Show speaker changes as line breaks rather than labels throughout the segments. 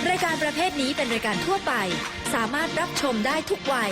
รายการประเภทนี้เป็นรายการทั่วไปสามารถรับชมได้ทุกวัย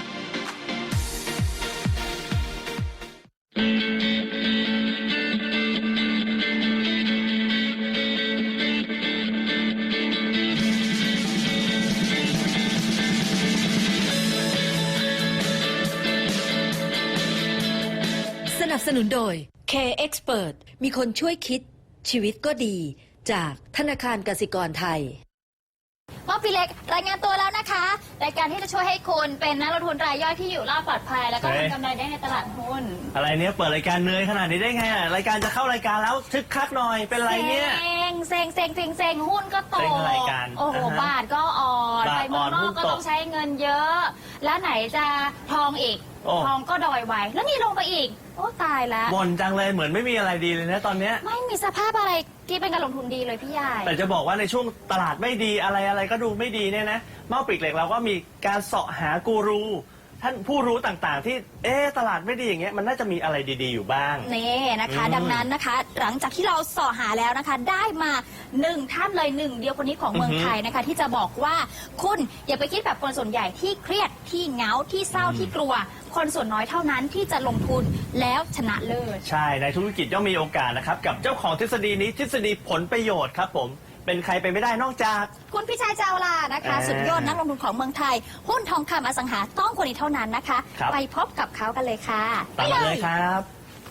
สนับสนุนโดย K-Expert มีคนช่วยคิดชีวิตก็ดีจากธนาคารกสิกรไทย
ว่าพี่เล็กรายงานตัวแล้วนะคะรายการที่จะช่วยให้คุณเป็นนักลงทุนรายย่อยที่อยู่รอดปลอดภัยแล้วก็ทำกำไรได้ในตลาดหุ้น
อะไรเนี้ยเปิดรายการเหนื่อยขนาดนี้ได้ไงอ่ะรายการจะเข้ารายการแล้วทึกคักหน่อยเป็นไรเนี่ย
เซ็งหุ้นก็ตกโอ้โหบาทก็อ่อนไปเมืองนอกก็ต้องใช้เงินเยอะแล้วไหนจะทองอีกทองก็ดอยไว้แล้วนี่ลงไปอีกโอ้ตายแล้ว
บ่นจังเลยเหมือนไม่มีอะไรดีเลยนะตอนเนี้ย
ไม่มีสภาพอะไรที่เป็นการลงทุนดีเลยพี่ใหญ่
แต่จะบอกว่าในช่วงตลาดไม่ดีอะไรก็ดูไม่ดีเนี่ยนะเมาปีกเหล็กเราก็มีการเสาะหากูรูท่านผู้รู้ต่างๆที่ตลาดไม่ดีอย่างเงี้ยมันน่าจะมีอะไรดีๆอยู่บ้าง
นี่นะคะดังนั้นนะคะหลังจากที่เราเสาะหาแล้วนะคะได้มา1ท่านเลย1เดียวคนนี้ของเมืองไทยนะคะที่จะบอกว่าคุณอย่าไปคิดแบบคนส่วนใหญ่ที่เครียดที่เหงาที่เศร้าที่กลัวคนส่วนน้อยเท่านั้นที่จะลงทุนแล้วชนะเลิศ
ใช่ในธุรกิจย่อมมีโอกาสนะครับกับเจ้าของทฤษฎีนี้ทฤษฎีผลประโยชน์ครับผมเป็นใครไปไม่ได้นอกจาก
คุณพิชัยเจ้าลานะคะสุดยอดนักลงทุนของเมืองไทยหุ้นทองคำอสังหาต้องคนนี้เท่านั้นนะคะไปพบกับเขากันเลยค่ะ
ไปเลยครับ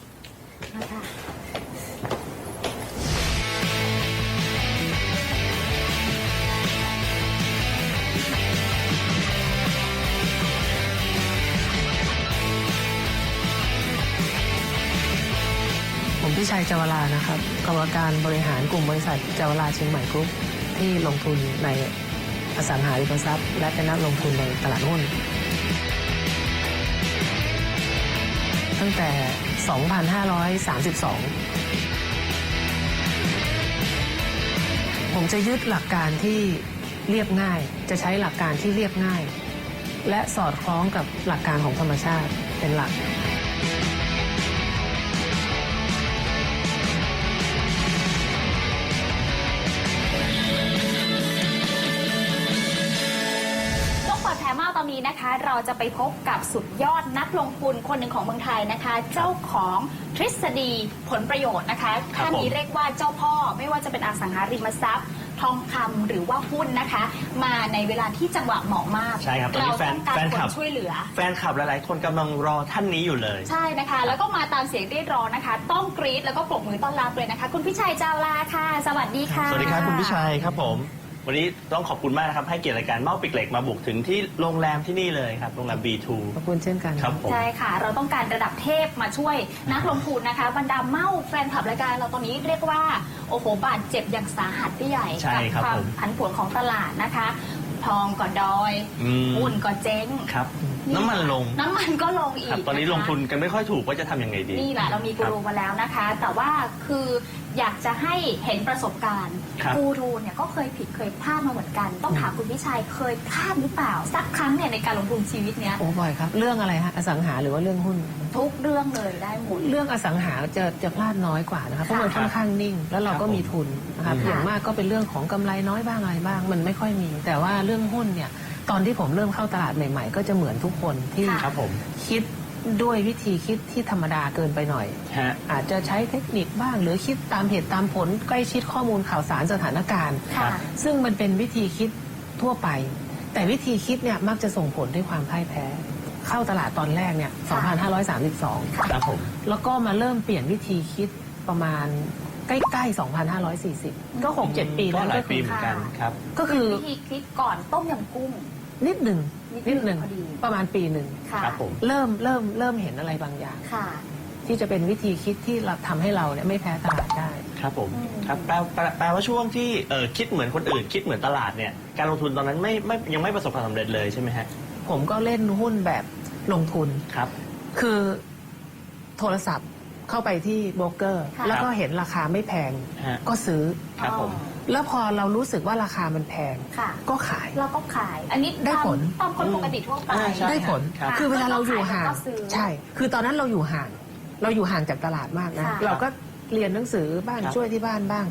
ผมพิชัยเจาวรานะครับกรรมการบริหารกลุ่มบริษัทเจาวราเชียงใหม่กรุ๊ปที่ลงทุนในอสังหาริมทรัพย์และเป็นนักลงทุนในตลาดหุ้นตั้งแต่ 2532 ผมจะยึดหลักการที่เรียบง่ายจะใช้หลักการที่เรียบง่ายและสอดคล้องกับหลักการของธรรมชาติเป็นหลัก
ตอนนี้นะคะเราจะไปพบกับสุดยอดนักลงทุนคนหนึ่งของเมืองไทยนะคะเจ้าของทฤษฎีผลประโยชน์นะคะท่านนี้เรียกว่าเจ้าพ่อไม่ว่าจะเป็นอสังหาริมทรัพย์ทองคำหรือว่าหุ้นนะคะมาในเวลาที่จังหวะเหมาะมาก
ใช่ครับตอนนี้แฟนคลับ
ช่วยเหลือ
แฟนคลับหลายๆคนกำลังรอท่านนี้อยู่เลย
ใช่นะคะแล้วก็มาตามเสียงเรียกร้องนะคะต้องกรี๊ดแล้วก็ปรบมือต้อนรับเลยนะคะคุณพิชัยเจ้าลาค่ะสวัสดีค่ะ
สวัสดีครับคุณพิชัยครับผมวันนี้ต้องขอบคุณมากนะครับให้เกียรติรายการเมาปิกเหล็กมาบุกถึงที่โรงแรมที่นี่เลยครับโรงแรม B2
ขอบคุณเช่นกัน
ครับผม
ใช่ค่ะเราต้องการระดับเทพมาช่วยนักลงทุนนะคะบรรดาเมาแฟนคลับรายการเราตอนนี้เรียกว่าโอ้โหบาดเจ็บอย่างสาหัสพี่ใหญ่กับความผันผวนของตลาดนะคะทองก็ดอยหุ้นก็เจ๊ง
ครับน้ำมันลง
น้ำมันก็ลงอีก
ตอนนี้ลงทุนกันไม่ค่อยถูกว่าจะทำยังไงดี
นี่แหละเรามีกูรูมาแล้วนะคะแต่ว่าคืออยากจะให้เห็นประสบการณ์กูรูเนี่ยก็เคยผิดเคยพลาดมาเหมือนกันต้องถามคุณพิชัยเคยพลาดหรือเปล่าสักครั้งเนี่ยในการลงทุนชีวิตเนี้ย
โอ้บ่อยครับเรื่องอะไรฮะอสังหาหรือว่าเรื่องหุ้น
ทุกเรื่องเลยได้หมด
เรื่องอสังหาจะพลาดน้อยกว่านะคะเพราะมันค่อนข้างนิ่งแล้วเราก็มีทุนนะคะอย่างมากก็เป็นเรื่องของกำไรน้อยบ้างอะไรบ้างมันไม่ค่อยมีแต่ว่าเรื่องหุ้นเนี่ยตอนที่ผมเริ่มเข้าตลาดใหม่ๆก็จะเหมือนทุกคนที่คิดด้วยวิธีคิดที่ธรรมดาเกินไปหน่อยอาจจะใช้เทคนิคบ้างหรือคิดตามเหตุตามผลใกล้ชิดข้อมูลข่าวสารสถานการณ์ซึ่งมันเป็นวิธีคิดทั่วไปแต่วิธีคิดเนี่ยมักจะส่งผลด้วยความพ่ายแพ้เข้าตลาดตอนแรกเนี่ย 2532
ครับผม
แล้วก็มาเริ่มเปลี่ยนวิธีคิดประมาณใกล้ๆ 2540 ก็ 6-7 ปีแล้ว
ก็หลายปีเหมือนกันครับ
ก็คือวิธีคิดก่อนต้มยำกุ้ง
นิดหนึ่งประมาณปีหนึ่ง
ครับผม
เริ่มเห็นอะไรบางอย่างที่จะเป็นวิธีคิดที่เราทำให้เราเนี่ยไม่แพ้ตลาดได้
ครับผมครับแปลว่าช่วงที่คิดเหมือนคนอื่นคิดเหมือนตลาดเนี่ยการลงทุนตอนนั้นยังไม่ประสบความสำเร็จเลยใช่ไหมฮะ
ผมก็เล่นหุ้นแบบลงทุน
ครับ
คือโทรศัพท์เข้าไปที่โบรกเกอร์แล้วก็เห็นราคาไม่แพงก็ซื้อ
ครับผม
แล้วพอเรารู้สึกว่าราคามันแพงก็ขาย
เราก็ขายอันนี้
ได้ผล
ตามคนปกติทั่วไป
ได้ผลคือเวลาเราอยู่ห่างใช่คือตอนนั้นเราอยู่ห่างจากตลาดมากนะเราก็เรียนหนังสือบ้างช่วยที่บ้านบ้าง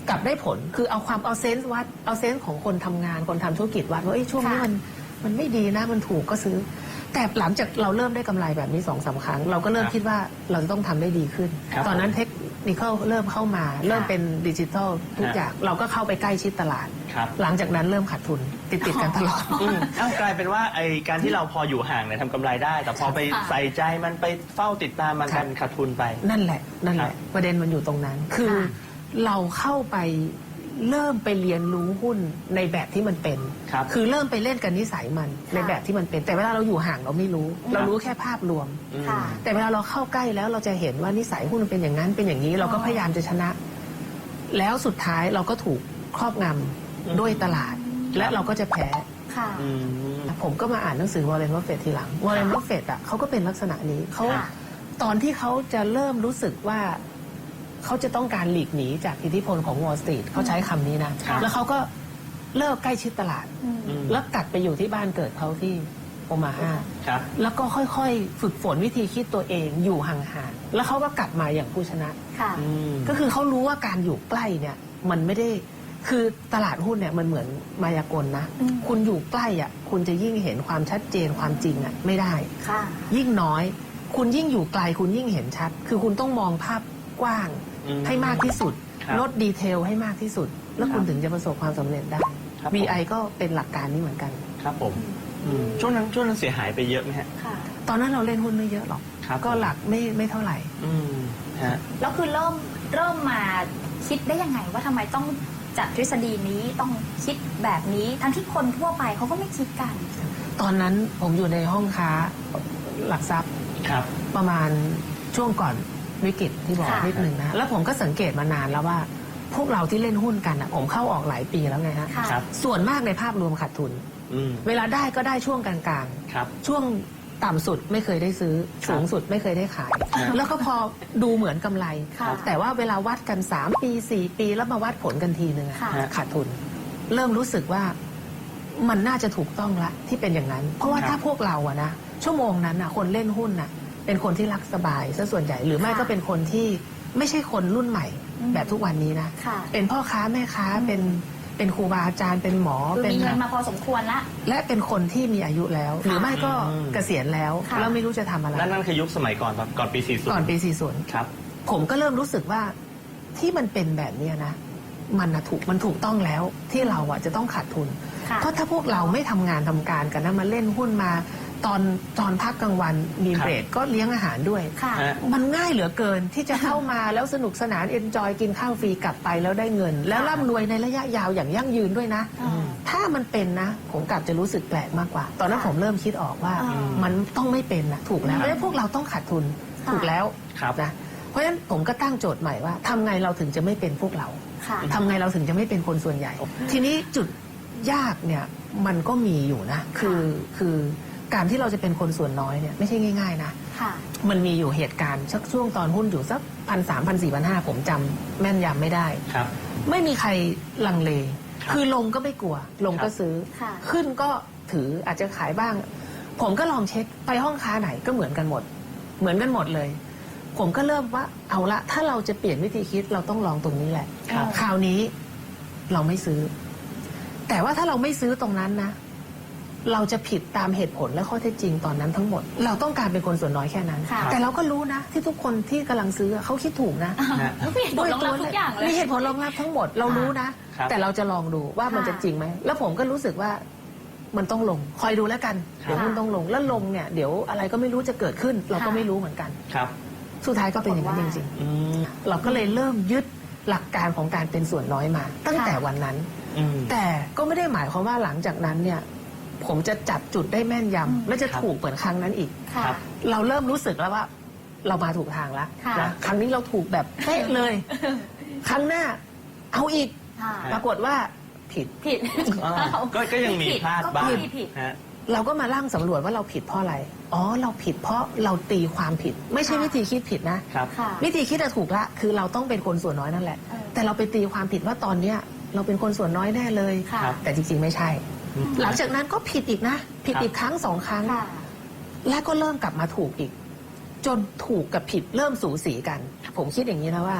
กลับได้ผลคือเอาเซนส์วัดเอาเซนส์ของคนทำงานคนทำธุรกิจวัดว่าช่วงนี้มันไม่ดีนะมันถูกก็ซื้อ แต่หลังจากเราเริ่มได้กำไรแบบนี้2-3 ครั้ง เราก็เริ่มคิดว่าเราจะต้องทำได้ดีขึ้น ตอนนั้นเทคนิคเริ่มเข้ามาเริ่มเป็นดิจิทัลทุกอย่างเราก็เข้าไปใกล้ชิดตลาด หลังจากนั้นเริ่มขาดทุนติดกันตลอด
กลายเป็นว่าไอการที่เราพออยู่ห่างเนี่ยทำกำไรได้ แต่พอไปใส่ใจมันไปเฝ้าติดตามมันกันขาดทุนไป
นั่นแหละประเด็นมันอยู่ตรงนั้นคือเราเข้าไปเริ่มไปเรียนรู้หุ้นในแบบที่มันเป็นคือเริ่มไปเล่นกันนิสัยมันในแบบที่มันเป็นแต่เวลาเราอยู่ห่างเราไม่รู้เรารู้แค่ภาพรวมแต่เวลาเราเข้าใกล้แล้วเราจะเห็นว่านิสัยหุ้นมันเป็นอย่างนั้นเป็นอย่างนี้เราก็พยายามจะชนะ แล้วสุดท้ายเราก็ถูกครอบงำด้วยตลาดและเราก็จะแพ้ผมก็มาอ่านหนังสือวอร์เรน บัฟเฟตต์ทีหลังวอร์เรน บัฟเฟตต์เขาก็เป็นลักษณะนี้เขาตอนที่เขาจะเริ่มรู้สึกว่าเขาจะต้องการหลีกหนีจากอิทธิพลของวอลล์สตรีทเขาใช้คำนี้นะแล้วเขาก็เลิกใกล้ชิดตลาดแล้วกลับไปอยู่ที่บ้านเกิดเขาที่โอมาฮาแล้วก็ค่อยๆฝึกฝนวิธีคิดตัวเองอยู่ห่างๆแล้วเขาก็กลับมาอย่างผู้ชนะก็คือเขารู้ว่าการอยู่ใกล้เนี่ยมันไม่ได้คือตลาดหุ้นเนี่ยมันเหมือนมายากลนะคุณอยู่ใกล้อ่ะคุณจะยิ่งเห็นความชัดเจนความจริงอ่ะไม่ได้ยิ่งน้อยคุณยิ่งอยู่ไกลคุณยิ่งเห็นชัดคือคุณต้องมองภาพกว้างให้มากที่สุดลดดีเทลให้มากที่สุดแล้วคุณถึงจะประสบความสำเร็จได้ BI ก็เป็นหลักการนี้เหมือนกันครับผม
ช่วงนั้นเสียหายไปเยอะไหมฮะ
ตอนนั้นเราเล่นหุ้นไม่เยอะหรอกก็หลักไม่เท่าไหร่
แล้วคือเริ่มมาคิดได้ยังไงว่าทำไมต้องจัดทฤษฎีนี้ต้องคิดแบบนี้ทั้งที่คนทั่วไปเขาก็ไม่คิดกัน
ตอนนั้นผมอยู่ในห้องค้าหลักทรัพย์ประมาณช่วงก่อนวิกฤตที่บอกนิดหนึ่งนะแล้วผมก็สังเกตมานานแล้วว่าพวกเราที่เล่นหุ้นกันอ่ะผมเข้าออกหลายปีแล้วไงฮะส่วนมากในภาพรวมขาดทุนเวลาได้ก็ได้ช่วงกลางๆช่วงต่ำสุดไม่เคยได้ซื้อสูงสุดไม่เคยได้ขายแล้วก็พอดูเหมือนกำไรแต่ว่าเวลาวัดกัน3 ปี4 ปีแล้วมาวัดผลกันทีนึงขาดทุนเริ่มรู้สึกว่ามันน่าจะถูกต้องละที่เป็นอย่างนั้นเพราะว่าถ้าพวกเราอะนะชั่วโมงนั้นอะคนเล่นหุ้นอะเป็นคนที่รักสบายซะส่วนใหญ่หรือไม่ก็เป็นคนที่ไม่ใช่คนรุ่นใหม่แบบทุกวันนี้นะเป็นพ่อค้าแม่ค้าเป็นครูบาอาจารย์เป็นหมอ
เป็นมีเงินมาพอสมควรละ
และเป็นคนที่มีอายุแล้วหรือไม่ก็เกษียณแล้วแล้วไม่รู้จะทำอะไร
นั่นคือยุคสมัยก่อนปี40
ก่อนปี40ครับผมก็เริ่มรู้สึกว่าที่มันเป็นแบบนี้นะมันถูกต้องแล้วที่เราอะจะต้องขาดทุนเพราะถ้าพวกเราไม่ทำงานทำการกันนะมาเล่นหุ้นมาตอนพักกลางวันมีเบรกก็เลี้ยงอาหารด้วยมันง่ายเหลือเกินที่จะเข้ามาแล้วสนุกสนานเอนจอยกินข้าวฟรีกลับไปแล้วได้เงินแล้วร่ำรวยในระยะยาวอย่างยั่งยืนด้วยนะถ้ามันเป็นนะผมกลับจะรู้สึกแปลกมากกว่าตอนนั้นผมเริ่มคิดออกว่ามันต้องไม่เป็นนะถูกแล้วแล้วพวกเราต้องขาดทุนถูกแล้วนะเพราะฉะนั้นผมก็ตั้งโจทย์ใหม่ว่าทำไงเราถึงจะไม่เป็นพวกเราทำไงเราถึงจะไม่เป็นคนส่วนใหญ่ทีนี้จุดยากเนี่ยมันก็มีอยู่นะคือการที่เราจะเป็นคนส่วนน้อยเนี่ยไม่ใช่ง่ายๆนะมันมีอยู่เหตุการณ์ชักช่วงตอนหุ้นอยู่สัก1,300 1,400 1,500ผมจำแม่นยำไม่ได้ไม่มีใครลังเลคือลงก็ไม่กลัวลงก็ซื้อขึ้นก็ถืออาจจะขายบ้างผมก็ลองเช็คไปห้องค้าไหนก็เหมือนกันหมดเลย ผมก็เริ่มว่าเอาละถ้าเราจะเปลี่ยนวิธีคิดเราต้องลองตรงนี้แหละคราวนี้เราไม่ซื้อแต่ว่าถ้าเราไม่ซื้อตรงนั้นนะเราจะผิดตามเหตุผลและข้อเท็จจริงตอนนั้นทั้งหมดเราต้องการเป็นคนส่วนน้อยแค่นั้นแต่เราก็รู้นะที่ทุกคนที่กำลังซื้อเขาคิดถูกนะ
ด้วยตัวทุกอย่างเลย
มีเหตุผลรองรับทั้งหมดเรารู้นะแต่เราจะลองดูว่ามันจะจริงไหมแล้วผมก็รู้สึกว่ามันต้องลงคอยดูแล้วกันเดี๋ยวมันต้องลงแล้วลงเนี่ยเดี๋ยวอะไรก็ไม่รู้จะเกิดขึ้นเราก็ไม่รู้เหมือนกันสุดท้ายก็เป็นอย่างนั้นจริงๆเราก็เลยเริ่มยึดหลักการของการเป็นส่วนน้อยมาตั้งแต่วันนั้นแต่ก็ไม่ได้หมายความว่าหลังจากนั้นเนี่ยผมจะจับจุดได้แม่นยำและจะถูกเหมือนครั้งนั้นอีกเราเริ่มรู้สึกแล้วว่าเรามาถูกทางแล้วนะครั้งนี้เราถูกแบบเป๊ะเลยครั้งหน้าเอาอีกปรากฏว่าผิด
ก็ยังมีพลาดบ้าง
เราก็มาลั่งสำรวจว่าเราผิดเพราะอะไรอ๋อเราผิดเพราะเราตีความผิดไม่ใช่วิธีคิดผิดนะวิธีคิดถูกละคือเราต้องเป็นคนส่วนน้อยนั่นแหละแต่เราไปตีความผิดว่าตอนเนี้ยเราเป็นคนส่วนน้อยแน่เลยแต่จริงๆไม่ใช่หลังจากนั้นก็ผิดอีกนะผิดอีกครั้ง2 ครั้งแล้วก็เริ่มกลับมาถูกอีกจนถูกกับผิดเริ่มสูสีกันผมคิดอย่างนี้นะว่า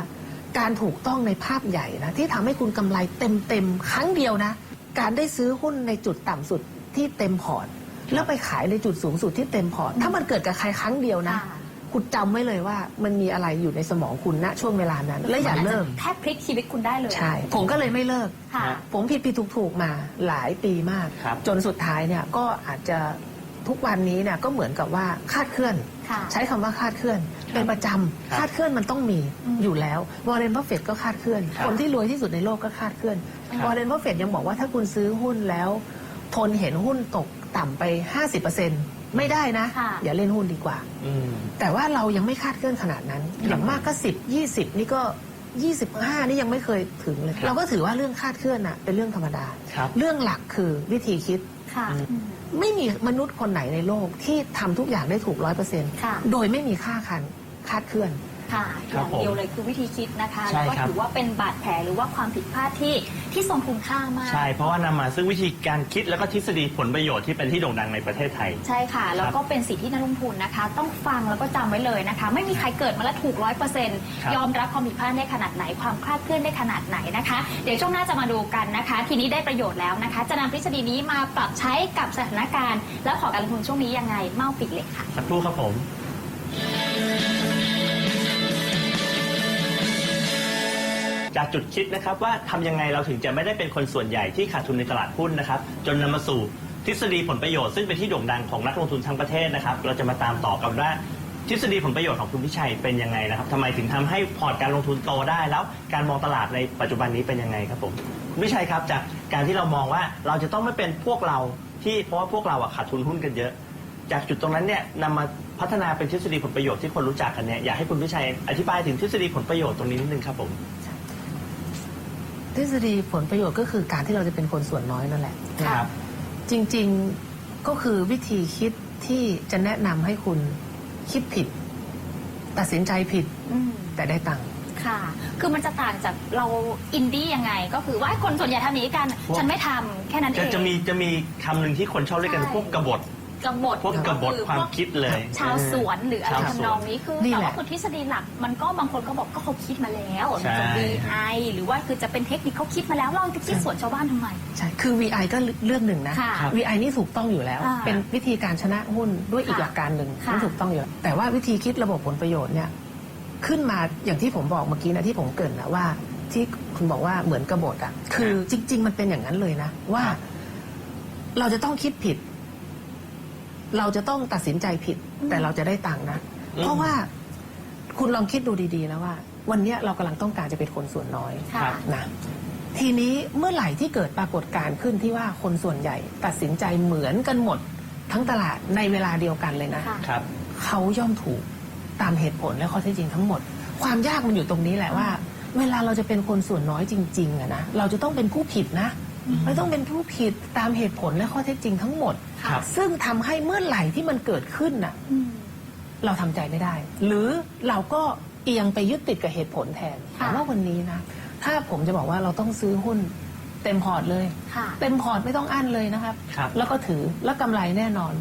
การถูกต้องในภาพใหญ่นะที่ทำให้คุณกำไรเต็มครั้งเดียวนะการได้ซื้อหุ้นในจุดต่ำสุดที่เต็มพอร์ตแล้วไปขายในจุดสูงสุดที่เต็มพอร์ตถ้ามันเกิดกับใครครั้งเดียวนะ
ค่ะ
คุณจำไว้เลยว่ามันมีอะไรอยู่ในสมองคุณณช่วงเวลานั้น และอย่าเลิก
แทบพลิกชีวิตคุณได้เลย
ใช่ผมก็เลยไม่เลิก
ค่ะ
ผมผิดถูกมาหลายปีมาก
ครับ
จนสุดท้ายเนี่ยก็อาจจะทุกวันนี้เนี่ยก็เหมือนกับว่าคาดเคลื่อน
ค่ะ
ใช้คำว่าคาดเคลื่อน เป็นประจำคาดเคลื่อนมันต้องมีอยู่แล้ววอร์เรน บัฟเฟตก็คาดเคลื่อน
ครับ
คนที่รวยที่สุดในโลกก็คาดเคลื่อน
ครับ
วอร์เรน บัฟเฟตยังบอกว่าถ้าคุณซื้อหุ้นแล้ว ทนเห็นหุ้นตกต่ำไป 50%ไม่ได้นะ
ค่ะ
อย่าเล่นหุ้นดีกว่า
อืม
แต่ว่าเรายังไม่คาดเคลื่อนขนาดนั้น อย่างมากก็10 20 นี่ก็ 25 นี่ยังไม่เคยถึงเลย
ครับ
เราก็ถือว่าเรื่องคาดเคลื่อนน่ะเป็นเรื่องธรรมดา
ครับ
เรื่องหลักคือวิธีคิด
ค่ะ
ไม่มีมนุษย์คนไหนในโลกที่ทำทุกอย่างได้ถูก
ค่ะ
100%โดยไม่มีคาดเคลื่อน
ค่ะอ
ครับ
ย่างเดียวเลยคือวิธีคิดนะคะ
ใช่
แล้วก็
ครับ
ถือว่าเป็นบาดแผลหรือว่าความผิดพลาดที่ทรงคุณค่ามาก
ใช่ เพราะว่านำมาซึ่งวิธีการคิดแล้วก็ทฤษฎีผลประโยชน์ที่เป็นที่โด่งดังในประเทศไทย
ใช่ค่ะ แล้วก็เป็นสิ่งที่นักลงทุนนะคะ ต้องฟังแล้วก็จำไว้เลยนะคะ ไม่มีใครเกิดมาแล้วถูก
ครับ
100%ยอมรับความผิดพลาดได้ขนาดไหนความคลาดเคลื่อนได้ขนาดไหนนะคะ เดี๋ยวช่วงหน้าจะมาดูกันนะคะ ทีนี้ได้ประโยชน์แล้วนะคะ จะนำทฤษฎีนี้มาปรับใช้กับสถานการณ์ และขอการลงทุนช่วงนี้ยังไงเมาปิดเลยค่ะ
สักครู่ครับผม จากจุดคิดนะครับว่าทำยังไงเราถึงจะไม่ได้เป็นคนส่วนใหญ่ที่ขาดทุนในตลาดหุ้นนะครับจนนำมาสู่ทฤษฎีผลประโยชน์ซึ่งเป็นที่โด่งดังของนักลงทุนทั้งประเทศนะครับเราจะมาตามต่อกันว่าทฤษฎีผลประโยชน์ของคุณพิชัยเป็นยังไงนะครับทำไมถึงทำให้พอร์ตการลงทุนโตได้แล้วการมองตลาดในปัจจุบันนี้เป็นยังไงครับผมคุณพิชัยครับจากการที่เรามองว่าเราจะต้องไม่เป็นพวกเราที่เพราะว่าพวกเราอะขาดทุนหุ้นกันเยอะ จากจุดตรงนั้นเนี่ยนำมาพัฒนาเป็นทฤษฎีผลประโยชน์ที่คนรู้จักกันเนี่ยอยากให้คุณพิชัยอธิบายถึงทฤษฎีผลประโยชน์ตรงนี้นิดนึงครับผม
ทฤษฎีผลประโยชน์ก็คือการที่เราจะเป็นคนส่วนน้อยนั่นแหละ
ครับ
จริงๆก็คือวิธีคิดที่จะแนะนำให้คุณคิดผิด ตัดสินใจผิด
อืม
แต่ได้ตังค์
ค่ะ คือมันจะต่างจากเราอินดี้ยังไง ก็คือว่าคนส่วนใหญ่ทำอย่างนี้กัน ฉันไม่ทำแค่นั้นเอง
จะมีคำหนึ่งที่คนชอบเรียกกัน
ใช่
พวกกบฏ
กบฏ
พวกกบฏความคิดเลย
ชาวสวนหรืออะไร
ชาวสวน
ทำนองนี้คือ
นี่
แต่
แหละ
ว่าคือทฤษฎีหลักมันก็บางคนก็บอกก็เขาคิดมาแล้ว
ใช่
จะ VI หรือว่าคือจะเป็นเทคนิคเขาคิดมาแล้วเราจะคิดสวนชาวบ้านทำไม
ใช่ คือ VI ก็เรื่องหนึ่งนะ
ค่ะ
VI นี่ถูกต้องอยู่แล้ว
อ่า
เป็นวิธีการชนะหุ้นด้วยอีก
ค่ะ
หลักการหนึ่ง
ค่ะ
ที่ถูกต้องอยู่แล้วแต่ว่าวิธีคิดระบบผลประโยชน์เนี่ยขึ้นมาอย่างที่ผมบอกเมื่อกี้นะที่ผมเกริ่นนะว่าที่คุณบอกว่าเหมือนกบฏอ่ะคือจริง ๆ มันเป็นอย่างนั้นเลยนะว่า
ครับ
เราจะต้องคิดผิด เราจะต้องตัดสินใจผิด แต่เราจะได้ตังค์นะ เพราะว่าคุณลองคิดดูดีๆแล้วว่า วันเนี้ยเรากำลังต้องการจะเป็นคนส่วนน้อย
ค่ะ
นะทีนี้เมื่อไหร่ที่เกิดปรากฏการณ์ขึ้นที่ว่าคนส่วนใหญ่ตัดสินใจเหมือนกันหมดทั้งตลาดในเวลาเดียวกันเลยนะ
ค่ะ
ครับ
เขาย่อมถูกตามเหตุผลและข้อเท็จจริงทั้งหมด ความยากมันอยู่ตรงนี้แหละว่า เวลาเราจะเป็นคนส่วนน้อยจริงๆอะนะเราจะต้องเป็นผู้ผิดนะเราต้องเป็นผู้ผิดตามเหตุผลและข้อเท็จจริงทั้งหมด
ครับ
ซึ่งทำให้เมื่อไหร่ที่มันเกิดขึ้นน่ะ
อืม
เราทำใจไม่ได้ หรือเราก็เอียงไปยึดติดกับเหตุผลแทน
ค่ะ
แต่ว่าวันนี้นะถ้าผมจะบอกว่าเราต้องซื้อหุ้นเต็มพอร์ตเลย
ค่ะ
เต็มพอร์ตไม่ต้องอั้นเลยนะครับ
ครับ
แล้วก็ถือแล้วกำไรแน่นอน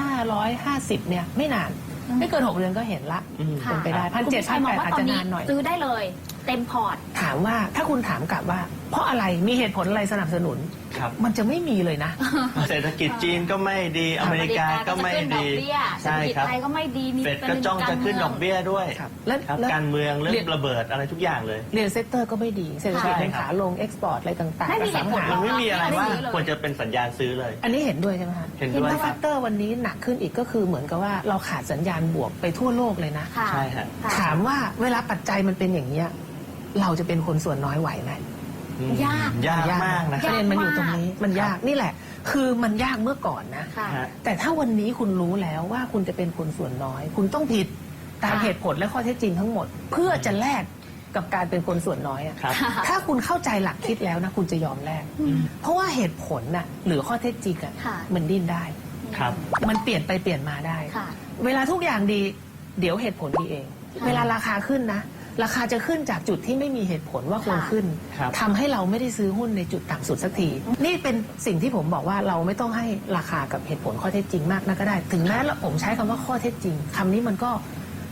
1,550เนี่ยไม่นาน ไม่เกิน6 เดือนก็เห็นละ
อืม
เป็นไปได้
คุณพิชัยมอง
1,700
ว่า
อาจ
ตอน
จะ
นี้
นานหน่อย
ซื้อได้เลยเต็มพอร์ต
ถามว่าถ้าคุณถามกลับว่า เพราะอะไรมีเหตุผลอะไรสนับสนุน
ครับ
มันจะไม่มีเลยนะ
เศรษฐกิจจีนก็ไม่ดีอเมริกาก็ไม่ดี
ใช่ครับเศรษฐกิจไทยก็ไม่ดีมี
เฟดก็จ้องจะขึ้นดอกเบี้ยด้วย
ครับแล้ว
ครับ
แล้ว
การเมืองเรื่องระเบิดอะไรทุกอย่างเลย
เรียนเซกเตอร์ก็ไม่ดีเศรษฐกิจ
ใช่
เป็น
ครับ
ขาลงเอ็กซ์พอร์ตอะไรต่างๆ
ไม่มีเหตุผล
อสังหา
มันไม่มีอะไรว่า
ไม่ซื้อเลย
ควรจะเป็นสัญญาณซื้อเลย
อันนี้เห็นด้วยใช่ไหมคะ
เห็นด้วย
ถ้า
ครั
แฟ
บ
กเตอร์วันนี้หนักขึ้นอีกก็คือเหมือนกับว่าเราขาดสัญญาณบวกไปทั่วโลกเลยนะ
ค่ะ
ใช่ฮะ
ค่ะ
ถามว่าเวลาปัจจัยมันเป็นอย่างนี้ยเราจะเป็นคนส่วนน้อยไหวไหม
อืม
ยาก
ยากมากนะค
ป
รับ
ระเด็นมันอยู่ตรงนี้มันยาก
ครับ
นี่แหละ คือมันยากเมื่อก่อนนะ
ค่ะ
ฮะ
แต่ถ้าวันนี้คุณรู้แล้วว่าคุณจะเป็นคนส่วนน้อย คุณต้องผิดตาม
ค่ะ
เหตุผลและข้อเท็จจริงทั้งหมด เพื่อจะแลกกับการเป็นคนส่วนน้อยอะ
ครับ
ถ้าคุณเข้าใจหลักคิดแล้วนะคุณจะยอมแลกเพราะว่าเหตุผลน่ะหรือข้อเท็จจริงอะ
ค่ะ
มันดิ้นได้
ครับ
มันเปลี่ยนไปเปลี่ยนมาได้
ค่ะ
เวลาทุกอย่างดี เดี๋ยวเหตุผลดีเอง เวลาราคาขึ้นนะ ราคาจะขึ้นจากจุดที่ไม่มีเหตุผลว่าควรขึ้น
ครับ
ทำให้เราไม่ได้ซื้อหุ้นในจุดต่ำสุดสักที นี่เป็นสิ่งที่ผมบอกว่าเราไม่ต้องให้ราคากับเหตุผลข้อเท็จจริงมากนักก็ได้ ถึงแม้ผมใช้คำว่าข้อเท็จจริงคำนี้มันก็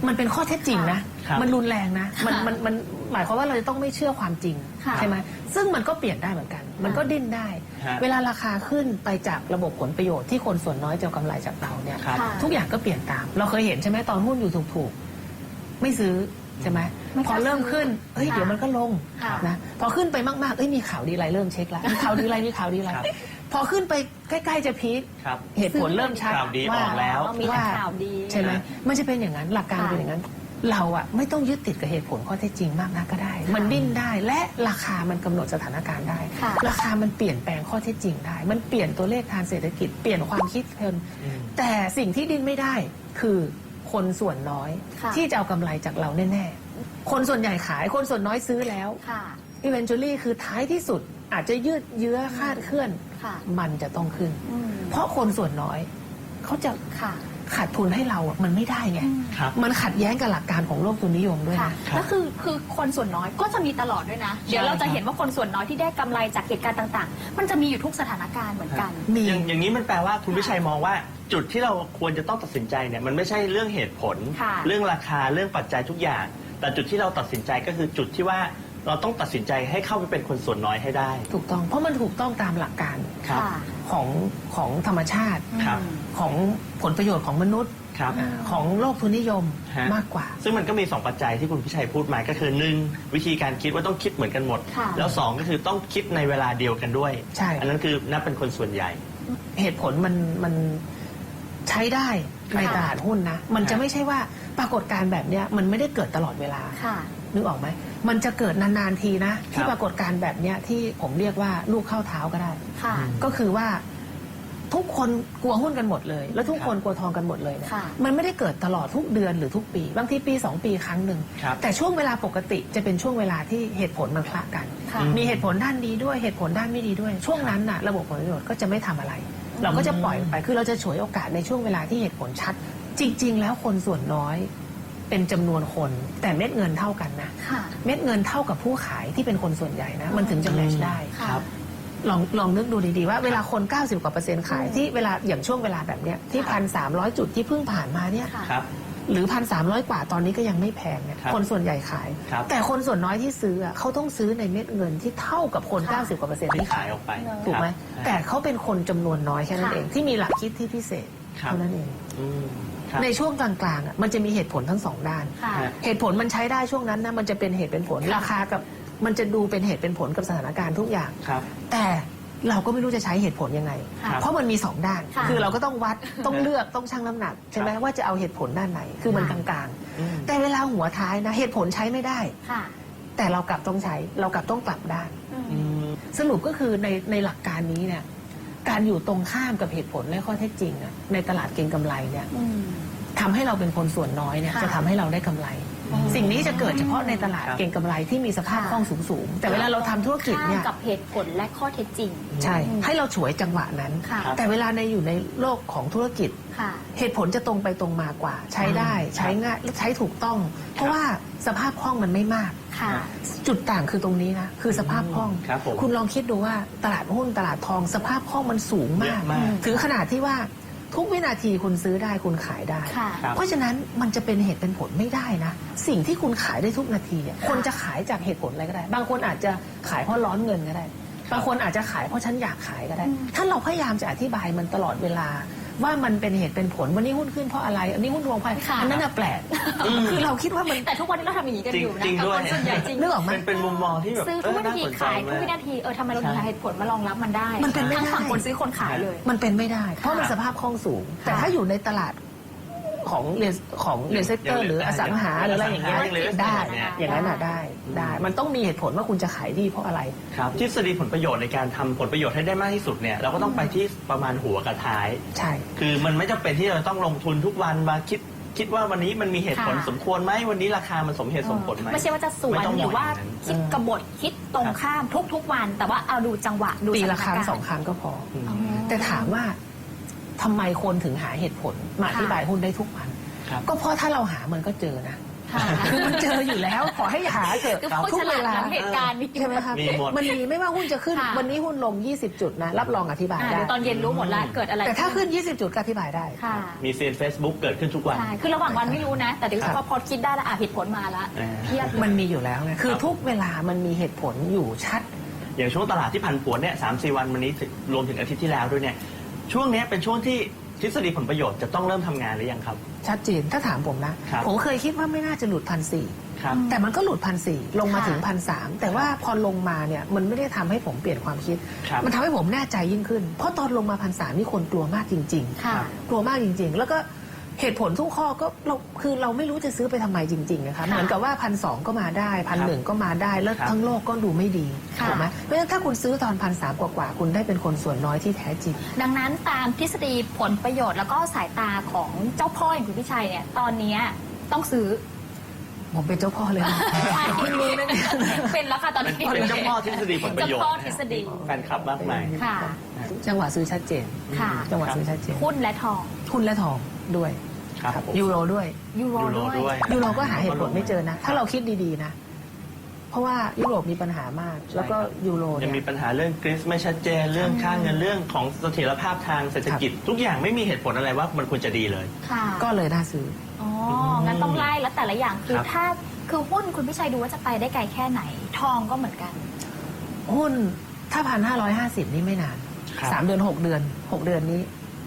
มันเป็นข้อเท็จจริงนะ
ครับ
มันรุนแรงนะมันหมายความว่าเราจะต้องไม่เชื่อความจริง
ค่ะ
ใช่ไหมซึ่งมันก็เปลี่ยนได้เหมือนกัน มันก็ดิ้นได้
ฮะ
เวลาราคาขึ้นไปจากระบบผลประโยชน์ที่คนส่วนน้อยจะเอากำไรจากเราเนี่ย
ครับ
ค่ะ
ทุกอย่างก็เปลี่ยนตาม เราเคยเห็นใช่ไหมตอนหุ้นอยู่ถูกๆไม่ซื้อใช่ไหม
ไม่ก
พอ
ล้า
เริ่มขึ้นเฮ้ย
ค่ะ
เดี๋ยวมันก็ลง
ค่ะ
นะพอขึ้นไปมากๆเอ้ยมีข่าวดีอะไรเริ่มเช็คแล้วมีข่าวดีอะไรมีข่าวดีอะไร
ครับ
พอขึ้นไปใกล้ๆจะพีค
ครับ
เหตุผลเริ่มชัด
ข่าวดี
ว่า
ออกแล้ว
มีแต่ข่าวดี
ใช่ไหมมันจะเป็นอย่างนั้นหลักการ
ค่ะ
เป็นอย่างนั้น เราอะไม่ต้องยึดติดกับเหตุผลข้อเท็จจริงมากนักก็ได้ มันดิ้นได้และราคามันกำหนดสถานการณ์ได้
ค่ะ
ราคามันเปลี่ยนแปลงข้อเท็จจริงได้ มันเปลี่ยนตัวเลขทางเศรษฐกิจเปลี่ยนความคิดคน
อืม
แต่สิ่งที่ดิ้นไม่ได้คือคนส่วนน้อย
ค่ะ
ที่จะเอากำไรจากเราแน่ๆคนส่วนใหญ่ขายคนส่วนน้อยซื้อแล้ว
ค่ะ
eventually คือท้ายที่สุดอาจจะยืดเยื้อคลาดเคลื่อน
ค่ะ
มันจะต้องขึ้น
อืม
เพราะคนส่วนน้อยเขาจะ
ค่ะ
ขาดทุนให้เราอะมันไม่ได้ไง
ครับ
มันขัดแย้งกับหลักการของโลกทุนนิยมด้วย
ค่ะ
นะ
แล้วคือคนส่วนน้อยก็จะมีตลอดด้วยนะ เดี๋ยวเราจะเห็นว่าคนส่วนน้อยที่ได้กำไรจากเหตุการณ์ต่างๆ มันจะมีอยู่ทุกสถานการณ์เหมือนกัน
มี
อย่างนี้มันแปลว่าคุณวิชัยมองว่าจุดที่เราควรจะต้องตัดสินใจเนี่ยมันไม่ใช่เรื่องเหตุผล
ค่ะ
เรื่องราคาเรื่องปัจจัยทุกอย่าง แต่จุดที่เราตัดสินใจก็คือจุดที่ว่าเราต้องตัดสินใจให้เข้าไปเป็นคนส่วนน้อยให้ได้
ถูกต้อง เพราะมันถูกต้องตามหลักการ
ครับ
ค่ะ
ของธรรมชาติ
ครับ
ของผลประโยชน์ของมนุษย์
ครับ
ของโลกทุนนิยม
ฮะ
มากกว่า
ซึ่งมันก็มี 2 ปัจจัยที่คุณพิชัยพูดมาก็คือ 1. วิธีการคิดว่าต้องคิดเหมือนกันหมด
ค่ะ
แล้ว 2 ก็คือต้องคิดในเวลาเดียวกันด้วย
ใช่
อันนั้นคือนับเป็นคนส่วนใหญ่
เหตุผลมันใช้ได้ในตลาดหุ้นนะ มันจะไม่ใช่ว่าปรากฏการณ์แบบเนี้ยมันไม่ได้เกิดตลอดเวลา
ค่ะ
นึกออกไหม มันจะเกิดนานๆทีนะ
ค
ที่
รับ
ปรากฏการณ์แบบเนี้ยที่ผมเรียกว่าลูกเข้าเท้าก็ได้
ค่ะ
ก็คือว่าทุกคนกลัวหุ้นกันหมดเลย แล้วทุกคนกลัวทองกันหมดเลยเนี่ย
ค่ะ
มันไม่ได้เกิดตลอดทุกเดือนหรือทุกปี บางทีปี2 ปีครั้งหนึ่ง
ครับ
แต่ช่วงเวลาปกติจะเป็นช่วงเวลาที่เหตุผลมันคละกัน
ค่ะ
มีเหตุผลด้านดีด้วยเหตุผลด้านไม่ดีด้วย ช่วงนั้นน่ะระบบผลประโยชน์ก็จะไม่ทำอะไร เราก็จะปล่อยไปคือเราจะฉวยโอกาสในช่วงเวลาที่เหตุผลชัด จริง ๆ แล้วคนส่วนน้อยเป็นจำนวนคน แต่เม็ดเงินเท่ากันนะ
ค่ะ
เม็ดเงินเท่ากับผู้ขายที่เป็นคนส่วนใหญ่นะมันถึงจะแมชได้
ค่ะ
ครับ
ลองนึกดูดีๆว่าเวลาคน 90 กว่าเปอร์เซ็นต์ขายที่เวลาอย่างช่วงเวลาแบบเนี้ยที่
ค่ะ
1,300 จุดที่เพิ่งผ่านมาเนี่ย
ค่ะ
ครับ
หรือ 1,300 กว่าตอนนี้ก็ยังไม่แพงเนี่ย
ครับ
คนส่วนใหญ่ขาย
ครับ
แต่คนส่วนน้อยที่ซื้ออะเขาต้องซื้อในเม็ดเงินที่เท่ากับคน
ค่ะ
90 กว่าเปอร์เซ็นต์
ที่
ที่
ขา
ขาย ย
ออกไป
ถูกไหม
ครับ
แต่เขาเป็นคนจำนวนน้อยแค่นั้น
ค่ะ
เองที่มีหลักคิดที่พิเศษ
ครับ
เท่านั้นเอง
อืมครับ
ในช่วงกลางๆอะมันจะมีเหตุผลทั้งสองด้าน
ค่ะ
เหตุผลมันใช้ได้ช่วงนั้นนะมันจะเป็นเหตุเป็นผล
ค่ะ
ราคากับมันจะดูเป็นเหตุเป็นผลกับสถานการณ์ทุกอย่าง
ครับ
แต่เราก็ไม่รู้จะใช้เหตุผลยังไง
ค่ะ
เพราะมันมีสองด้าน
ค่ะ
คือเราก็ต้องวัดต้องเลือกต้องชั่งน้ำหนักใช่ไหม
ครับ
ว่าจะเอาเหตุผลด้านไหน คือมันก
ค่ะ
ลาง
อืม
ๆ แต่เวลาหัวท้ายนะเหตุผลใช้ไม่ได้
ค่ะ
แต่เรากลับต้องใช้เรากลับต้องกลับด้าน
อืม
อืม
สรุปก็คือในหลักการนี้เนี่ยการอยู่ตรงข้ามกับเหตุผลและข้อเท็จจริงอะในตลาดเก็งกำไรเนี่ย
อืม
ทำให้เราเป็นคนส่วนน้อยเนี่ย
ค่ะ
จะทำให้เราได้กำไร สิ่งนี้จะเกิดเฉพาะในตลาด
ครับ
เก็งกำไรที่มีสภาพ
ค่ะ
คล่องสูงๆแต่เวลาเราทำธุรกิจเนี่ย
ข้ามกับเหตุผลและข้อเท็จจริง
ใช่ ให้เราฉวยจังหวะนั้น
ค่ะ
แต่เวลาอยู่ในโลกของธุรกิจ
ค่ะ
เหตุผลจะตรงไปตรงมากว่า ใช้ได้ใช้ง่ายและใช้ถูกต้อง เพราะว่าสภาพคล่องมันไม่มาก
ค่ะ
จุดต่างคือตรงนี้นะคือสภาพคล่อง
ครับผม
คุณลองคิดดูว่าตลาดหุ้นตลาดทองสภาพคล่องมันสูงมาก
เยอะมาก
ถึงขนาดที่ว่าทุกวินาทีคุณซื้อได้คุณขายได้
ค่ะ
ครับ
เพราะฉะนั้นมันจะเป็นเหตุเป็นผลไม่ได้นะ สิ่งที่คุณขายได้ทุกนาทีอะคนจะขายจากเหตุผลอะไรก็ได้ บางคนอาจจะขายเพราะร้อนเงินก็ได้ บางคนอาจจะขายเพราะฉันอยากขายก็ได้ ถ้าเราพยายามจะอธิบายมันตลอดเวลา ว่ามันเป็นเหตุเป็นผลวันนี้หุ้นขึ้นเพราะอะไรอันนี้หุ้นลงไป
ค่ะ
อันนั้นน่ะแปลกคือเราคิดว่ามัน
แต่ทุกวันนี้เราทำอย่างนี้กันอยู่นะ
จริงๆ
กับ
ด้วย
คนส่วนใหญ่จริง
นึกออกไหม
เป็นมุมมองที่แบบ
ซื้อทุกวินาที
น่สนใจ
ขายทุกวิ
ม
นาทีทำไมเราถึงหาเหตุผลมารองรับมันได้
มันเป็นไม่ได้
ทั้งฝั่งคนซื้อคนขายเลย
มันเป็นไม่ได้ เพราะมันสภาพคล่องสูง แต่ถ้าอยู่ในตลาดของเรียนเซกเตอร์หรืออสังหาหรืออะไรอย่างเงี้ย
อย่าง real estate
ได้
เนี่ย
อย่างนั้นน่ะได้ มันต้องมีเหตุผลว่าคุณจะขายดีเพราะอะไร
ครับทฤษฎีผลประโยชน์ในการทำผลประโยชน์ให้ได้มากที่สุดเนี่ยเราก็ต้องไปที่ประมาณหัวกับท้าย
ใช่
คือมันไม่จำเป็นที่เราต้องลงทุนทุกวันมาคิดว่าวันนี้มันมีเหตุผล
ค่ะ
สมควรไหมวันนี้ราคามันสมเหตุสมผลไหม
ไม่ใช่ว่าจะสวน
ไม่ต้อง
ห
ม
รือ อง ว่า
อย่างนั้น
คิดกบฏคิดตรงข้ามทุกวัน แต่ว่าเอาดูจังหวะดู
ปี
ส
ละ
ถาน
ครั้ง
การณ์
สองครั้งก็พอ
อืม
อ๋อ
แต่ถามว่าทำไมคนถึงหาเหตุผลมาอธิบายหุ้นได้ทุกวัน
ครับ
ก็เพราะถ้าเราหามันก็เจอนะ
ค่ะ
คือมันเจออยู่แล้วขอให้หาเถอะ
คือ
ทุ
ผู้
ก
ฉ
เว
ลาด
ลา
หลังเหตุการณ์นี้
ใช่ไหมครับ
มีหมด
มันมีไม่ว่าหุ้นจะขึ้น
ค่ะ
วันนี้หุ้นลง 20 จุดนะรับรองอธิบาย
เดี๋
ได้
ยวตอนเย็นรู้หมดแล้วเกิดอะไร
แต่ถ้าขึ้น 20 จุดก็อธิบายได้
ค่ะ
มีเซียน Facebook เกิดขึ้นทุกวัน
ใช่คือระหว่างวันไม่รู้นะ แต่เดี๋ยว
ครับ
พอคิดได้แล้วเหตุผลมาแล้ว
อ่า
เทียบ
มันมีอยู่แล้วไงคือทุกเวลามันมีเหตุผลอยู่ชัด
อย่างช่วงตลาดที่ผันผวนเนี่ย3-4 วันวันนี้ถึงรวมถึงอาทิตย์ที่แล้วด้วยเนี่ยช่วงเนี้ยเป็นช่วงที่ทฤษฎีผลประโยชน์จะต้องเริ่มทำงานหรือยังครับ
ชัดเจนถ้าถามผมนะ
ครับ
ผมเคยคิดว่าไม่น่าจะหลุด1,400
ครับ
แต่มันก็หลุด1,400ลงมาถึง
ค่ะ
1,300แต่ว่าพอลงมาเนี่ยมันไม่ได้ทำให้ผมเปลี่ยนความคิด
ครับ
มันทำให้ผมแน่ใจยิ่งขึ้น เพราะตอนลงมา1,300นี่คนกลัวมากจริง
ค่ะ
ๆ กลัวมากจริง ๆ แล้วก็เหตุผลทุกข้อก็เราไม่รู้จะซื้อไปทำไมจริงๆนะคะ
ค่ะ
เหมือนกับว่า1,200ก็มาได้1,100ก็มาได้แล้ว
ครับ
ทั้งโลกก็ดูไม่ดี
ค่ะ
ถูกไหมเพราะฉะนั้นถ้าคุณซื้อตอน1,300กว่าๆคุณได้เป็นคนส่วนน้อยที่แท้จริง
ดังนั้นตามทฤษฎีผลประโยชน์แล้วก็สายตาของเจ้าพ่ออย่างคุณพิชัยเนี่ยตอนเนี้ยต้องซื้อ
ผมเป็นเจ้าพ่อเลยนะ
ใช่
เพิ่งรู้นะเนี่ย
เป็นแล้วค่ะตอนนี้
เป็นเจ้าพ่อทฤษฎีผลประโยชน์
เจ้าพ่อทฤษฎี
แฟนคลับมากมาย
ค่ะ
จังหวะซื้อชัดเจน
ค่ะ
จังหวะซื้อชัดเจน
หุ้นและทอง
หุ้นและทองด้วย
ครับผม
ยูโรด้วย
ยูโร
ยูโร
ด้วย
ด้วย
ยูโรก็หาเหตุผลไม่เจอนะ ถ้าเราคิดดีๆนะ เพราะว่ายุโรปมีปัญหามาก แล้วก็ยูโร
ยัง
เนี่
มี
ย
ปัญหาเรื่องกรีซไม่ชัดเจนเรื่องค่าเงินเรื่องของเสถียรภาพทางเศรษฐกิจ ทุกอย่างไม่มีเหตุผลอะไรว่ามันควรจะดีเลย
ค่ะ
ก็เลยน่าซื้อ
อ๋อ งั้นต้องไล่แล้วแต่ละอย่างคือ
ครับ
ถ้าคือหุ้นคุณพิชัยดูว่าจะไปได้ไกลแค่ไหน ทองก็เหมือนกัน
หุ้นถ้า1,550นี่ไม่นาน
ครับ
3 เดือน 6 เดือน 6 เดือนนี้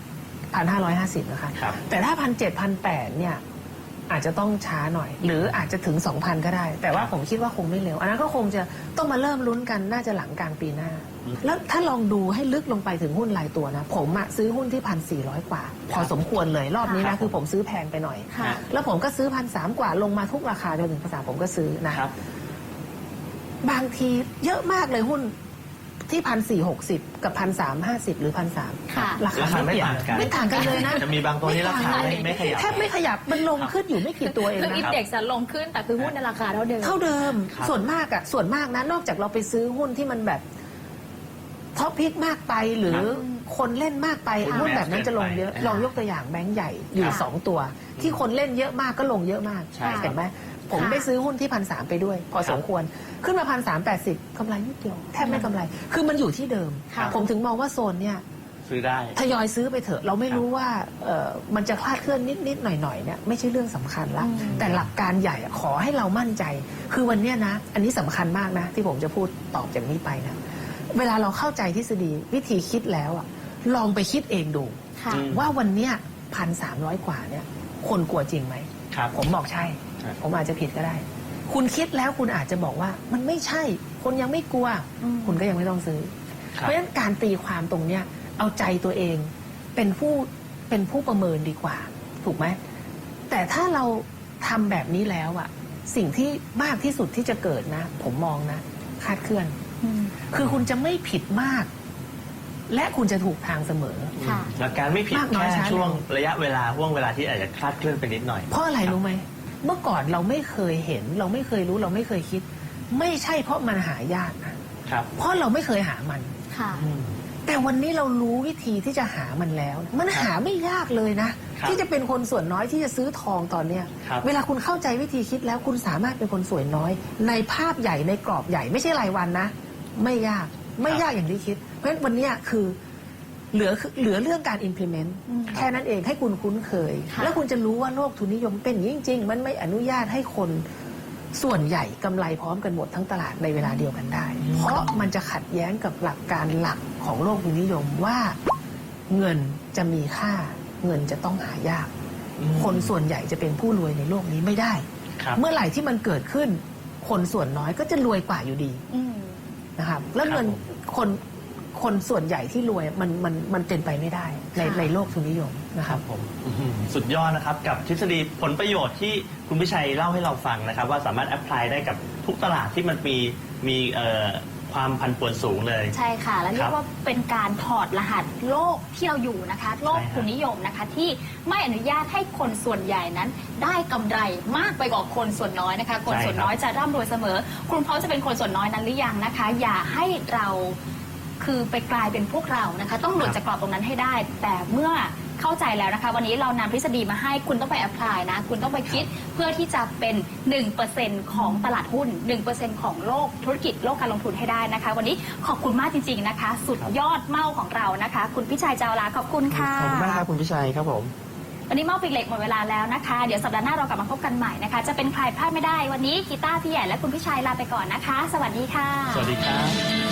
1,550นะคะ
ครับ
แต่ถ้า1,700 1,800เนี่ยอาจจะต้องช้าหน่อย หรืออาจจะถึง 2,000 ก็ได้ แต่ว่าผมคิดว่าคงไม่เร็ว อันนั้นก็คงจะต้องมาเริ่มลุ้นกันน่าจะหลังกลางปีหน้า แล้วถ้าลองดูให้ลึกลงไปถึงหุ้นรายตัวนะ ผมอะซื้อหุ้นที่1,400 กว่า พอสมควรเลยรอบนี้
ครั
นะ
บ
คือผมซื้อแพงไปหน่อย
ค่ะ
แล้วผมก็ซื้อ1,300 กว่าลงมาทุกราคาจนถึง1,300ผมก็ซื้อนะ
ครับ
บางทีเยอะมากเลยหุ้นที่1,460 กับ1,350 หรือ1,300
ค่ะ
ราคา
ราคาไม่
เปลี่ยน
ต่างกัน
ไม่ต่างกันเลยนะ
จะมีบางตัวที่ราคาไม่ขยับ
แทบไม่ขยับมันลงขึ้นอยู่ไม่กี่ตัวเอง
คือ
นะ
อินเด็กซ์ลงขึ้นแต่คือหุ้นในราคาเท่าเดิม
เท่าเดิม
ครับ
ส่วนมากนะนอกจากเราไปซื้อหุ้นที่มันแบบท็อปพิกมากไปหรือคนเล่นมากไป
ค่ะ
หุ้นแบบนั้นจะลงเยอะ
แมสเกินไป
ลองยกตัวอย่างแบงก์ใหญ่อยู่
ค่ะ
2 ตัว ที่คนเล่นเยอะมากก็ลงเยอะมาก
ใช่ครับ
เห็นไหมผม
ค่ะ
ได้ซื้อหุ้นที่1,300ไปด้วย พอสมควรขึ้นมา1,380กำไรนิดเดียวแทบไม่กำไร คือมันอยู่ที่เดิม
ค่ะ
ผมถึงมองว่าโซนเนี่ย
ซื้อได้
ทยอยซื้อไปเถอะ เราไม่รู้ว่ามันจะคลาดเคลื่อนนิดๆหน่อยๆเนี่ยไม่ใช่เรื่องสำคัญละ
อืม
แต่หลักการใหญ่อะขอให้เรามั่นใจ คือวันเนี้ยนะ อันนี้สำคัญมากนะ ที่ผมจะพูดตอบจากนี้ไปนะ เวลาเราเข้าใจทฤษฎีวิธีคิดแล้วอะลองไปคิดเองดู
ค่ะ
อืม
ว่าวันเนี้ย1,300 กว่าเนี่ย คนกลัวจริงไหม
ครับ
ผมบอกใช่
ครับ
ผมอาจจะผิดก็ได้ คุณคิดแล้วคุณอาจจะบอกว่ามันไม่ใช่ คนยังไม่กลัว
อืม
คุณก็ยังไม่ต้องซื้อ
ค
เพ
รับ
ราะฉะนั้นการตีความตรงเนี้ยเอาใจตัวเองเป็นผู้ประเมินดีกว่า ถูกไหมแต่ถ้าเราทำแบบนี้แล้วอะสิ่งที่มากที่สุดที่จะเกิดนะ ผมมองนะคลาดเคลื่อน
อืม
คือคุณจะไม่ผิดมาก และคุณจะถูกทางเสมอ
ค่ะ
หลักการไม่ผิด
มากน้อย
แค่
ช้า
ช่วง
เร็ว
ระยะเวลาห่วงเวลาที่อาจจะคลาดเคลื่อนไปนิดหน่อย
เพราะอะไรรู้ไหมเมื่อก่อนเราไม่เคยเห็น เราไม่เคยรู้เราไม่เคยคิด ไม่ใช่เพราะมันหายากนะครับ เพราะเราไม่เคยหามัน
ค่ะ
แต่วันนี้เรารู้วิธีที่จะหามันแล้ว มันหาไม่ยากเลยนะ
ครับ
ที่จะเป็นคนส่วนน้อยที่จะซื้อทองตอนเนี้ย
ครับ
เวลาคุณเข้าใจวิธีคิดแล้วคุณสามารถเป็นคนส่วนน้อย ในภาพใหญ่ในกรอบใหญ่ไม่ใช่รายวันนะ ไม่ยากไม่ยากอย่างที่คิด เพราะฉะนั้นวันเนี้ยคือเหลือเรื่องการ implement
อืม
แค่นั้นเองให้คุณคุ้นเคย
ค่ะ
แล้วคุณจะรู้ว่าโลกทุนนิยมเป็นอย่างนี้จริงๆมันไม่อนุญาตให้คนส่วนใหญ่กำไรพร้อมกันหมดทั้งตลาดในเวลาเดียวกันได้ เพราะมันจะขัดแย้งกับหลักการหลักของโลกทุนนิยมว่าเงินจะมีค่าเงินจะต้องหายาก คนส่วนใหญ่จะเป็นผู้รวยในโลกนี้ไม่ได้
ครับ
เมื่อไหร่ที่มันเกิดขึ้น คนส่วนน้อยก็จะรวยกว่าอยู่ดี
อืม
นะครับแล้วเงิน
ครับ
คนส่วนใหญ่ที่รวยมันเป็นไปไม่ได้ใน
ค่ะ
ในโลกทุนนิยมนะค
ค
รั
รับ บผมอื้อหือสุดยอดนะครับกับทฤษฎีผลประโยชน์ที่คุณพิชัยเล่าให้เราฟังนะครับ ว่าสามารถแอพพลายได้กับทุกตลาดที่มันมีความผันผวนสูงเลย
ใช่ค่ะ และเรี
ครั
ย
บ
กว่าเป็นการถอดรหัสโลกที่เราอยู่นะคะ โลก
ใช่ครับ
ทุนนิยมนะคะ ที่ไม่อนุญาตให้คนส่วนใหญ่นั้น ได้กำไรมากไปกว่าคนส่วนน้อยนะคะ คนส่วนน้อยจะร่ำรวยเสมอ คุณพร้อมจะเป็นคนส่วนน้อยนั้นหรือยังนะคะ อย่าให้เราคือไปกลายเป็นพวกเรานะคะ ต้องหลุดจากกรอบตรงนั้นให้ได้ แต่เมื่อเข้าใจแล้วนะคะวันนี้เรานำทฤษฎีมาให้คุณต้องไปแอพพลายนะคุณต้องไปคิดเพื่อที่จะเป็น 1% ของตลาดหุ้น 1% ของโลกธุรกิจโลกการลงทุนให้ได้นะคะวันนี้ขอบคุณมากจริงๆนะคะสุดยอดเม่าของเรานะคะคุณพิชัยเจ้าลาขอบคุณค่ะ
ขอบคุณมากครับคุณพิชัยครับผม
วันนี้เมาปิกเหล็กหมดเวลาแล้วนะคะเดี๋ยวสัปดาห์หน้าเรากลับมาพบกันใหม่นะคะจะเป็นใครพลาดไม่ได้วันนี้กีตาร์พี่ใหญ่และคุณพิชัยลาไปก่อนนะคะ สวัสดีค่ะ
สวัสดีครับ